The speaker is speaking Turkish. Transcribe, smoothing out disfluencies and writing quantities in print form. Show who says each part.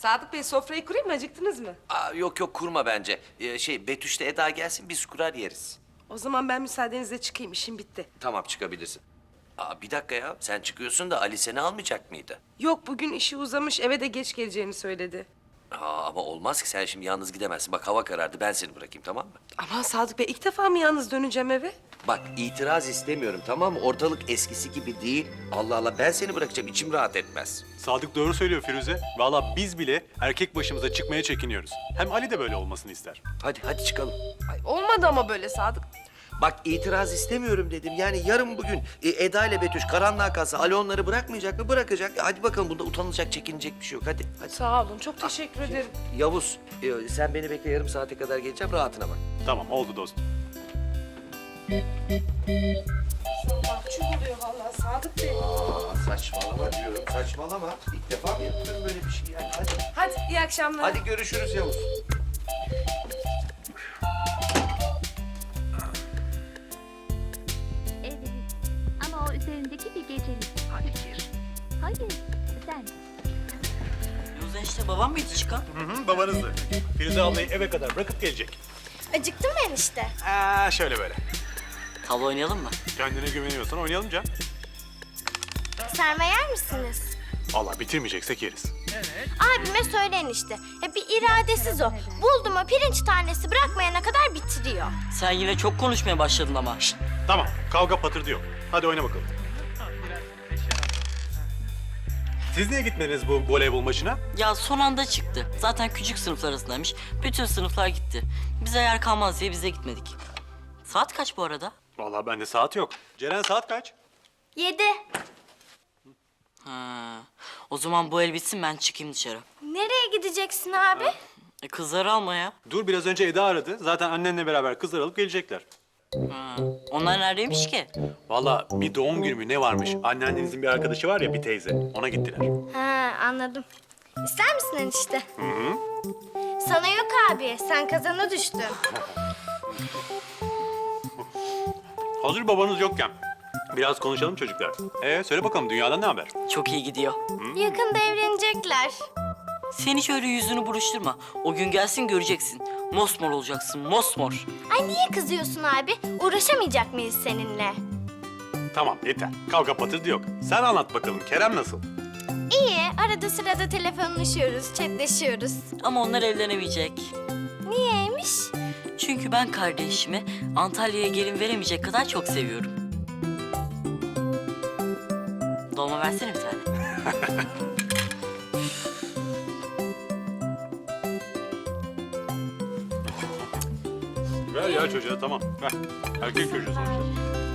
Speaker 1: Sadık Bey sofrayı kurayım mı? Acıktınız mı?
Speaker 2: Yok yok kurma bence. Betüş'le Eda gelsin biz kurar yeriz.
Speaker 1: O zaman ben müsaadenizle çıkayım. İşim bitti.
Speaker 2: Tamam çıkabilirsin. Bir dakika ya sen çıkıyorsun da Ali seni almayacak mıydı?
Speaker 1: Yok bugün işi uzamış. Eve de geç geleceğini söyledi.
Speaker 2: Ama olmaz ki sen şimdi yalnız gidemezsin. Bak hava karardı ben seni bırakayım tamam mı?
Speaker 1: Aman Sadık Bey ilk defa mı yalnız döneceğim eve?
Speaker 2: Bak itiraz istemiyorum tamam mı? Ortalık eskisi gibi değil. Allah Allah ben seni bırakacağım içim rahat etmez.
Speaker 3: Sadık doğru söylüyor Firuze. Vallahi biz bile erkek başımıza çıkmaya çekiniyoruz. Hem Ali de böyle olmasını ister.
Speaker 2: Hadi çıkalım.
Speaker 1: Ay, olmadı ama böyle Sadık.
Speaker 2: Bak itiraz istemiyorum dedim. Yani yarın bugün Eda ile Betüş karanlığa kalsa Ali onları bırakmayacak mı? Bırakacak. Hadi bakalım bunda utanılacak, çekinecek bir şey yok. Hadi.
Speaker 1: Sağ olun. Çok teşekkür ederim.
Speaker 2: Yavuz sen beni bekle yarım saate kadar geleceğim. Rahatına bak.
Speaker 3: Tamam oldu dostum.
Speaker 1: Mahcup oluyor vallahi Sadık Bey.
Speaker 2: Saçmalama diyorum. Saçmalama. İlk defa mı yapıyorum böyle bir şey yani? Hadi.
Speaker 1: Hadi iyi akşamlar.
Speaker 2: Hadi görüşürüz Yavuz.
Speaker 4: Evet. Ama o üzerindeki bir gecelik.
Speaker 2: Hadi gir.
Speaker 4: Hayır, sen.
Speaker 5: Yoksa işte babam mıydı çıkan?
Speaker 3: Hı, babanızdı. Firuze ablayı eve kadar bırakıp gelecek.
Speaker 6: Acıktın mı enişte?
Speaker 3: Şöyle böyle.
Speaker 5: Tavla oynayalım mı?
Speaker 3: Kendine güveniyorsan oynayalım Can.
Speaker 6: Sarma yer misiniz?
Speaker 3: Vallahi bitirmeyeceksek yeriz.
Speaker 6: Abime söyle enişte. Ya bir iradesiz o. Buldu mu pirinç tanesi bırakmayana kadar bitiriyor.
Speaker 5: Sen yine çok konuşmaya başladın ama.
Speaker 3: Tamam kavga patırdı yok. Hadi oyna bakalım. Siz niye gitmediniz bu voleybol maçına?
Speaker 5: Ya son anda çıktı. Zaten küçük sınıflar arasındaymış. Bütün sınıflar gitti. Bize yer kalmaz diye biz de gitmedik. Saat kaç bu arada?
Speaker 3: Vallahi bende saat yok. Ceren saat kaç?
Speaker 6: 7.
Speaker 5: Ha. O zaman bu el bitsin ben çıkayım dışarı.
Speaker 6: Nereye gideceksin abi?
Speaker 5: Kızları alma ya.
Speaker 3: Dur biraz önce Eda aradı. Zaten annenle beraber kızlar alıp gelecekler.
Speaker 5: Ha. Onlar neredeymiş ki?
Speaker 3: Vallahi bir doğum günü mü ne varmış? Anneannenizin bir arkadaşı var ya bir teyze. Ona gittiler.
Speaker 6: Ha anladım. İster misin enişte? Hı. Sana yok abi. Sen kazana düştün.
Speaker 3: Hazır babanız yokken. Biraz konuşalım çocuklar. Söyle bakalım dünyadan ne haber?
Speaker 5: Çok iyi gidiyor.
Speaker 6: Yakında evlenecekler.
Speaker 5: Sen hiç öyle yüzünü buruşturma. O gün gelsin göreceksin. Mosmor olacaksın, mosmor.
Speaker 6: Ay niye kızıyorsun abi? Uğraşamayacak mıyız seninle?
Speaker 3: Tamam yeter. Kavga patırdı yok. Sen anlat bakalım Kerem nasıl?
Speaker 6: İyi. Arada sırada telefonlaşıyoruz, chatleşiyoruz.
Speaker 5: Ama onlar evlenemeyecek.
Speaker 6: Niyeymiş?
Speaker 5: Çünkü ben kardeşimi Antalya'ya gelin veremeyecek kadar çok seviyorum. Dolma versene bir tane.
Speaker 3: Ver ya çocuğa tamam. Ver. Erkek çocuğu sonuçta.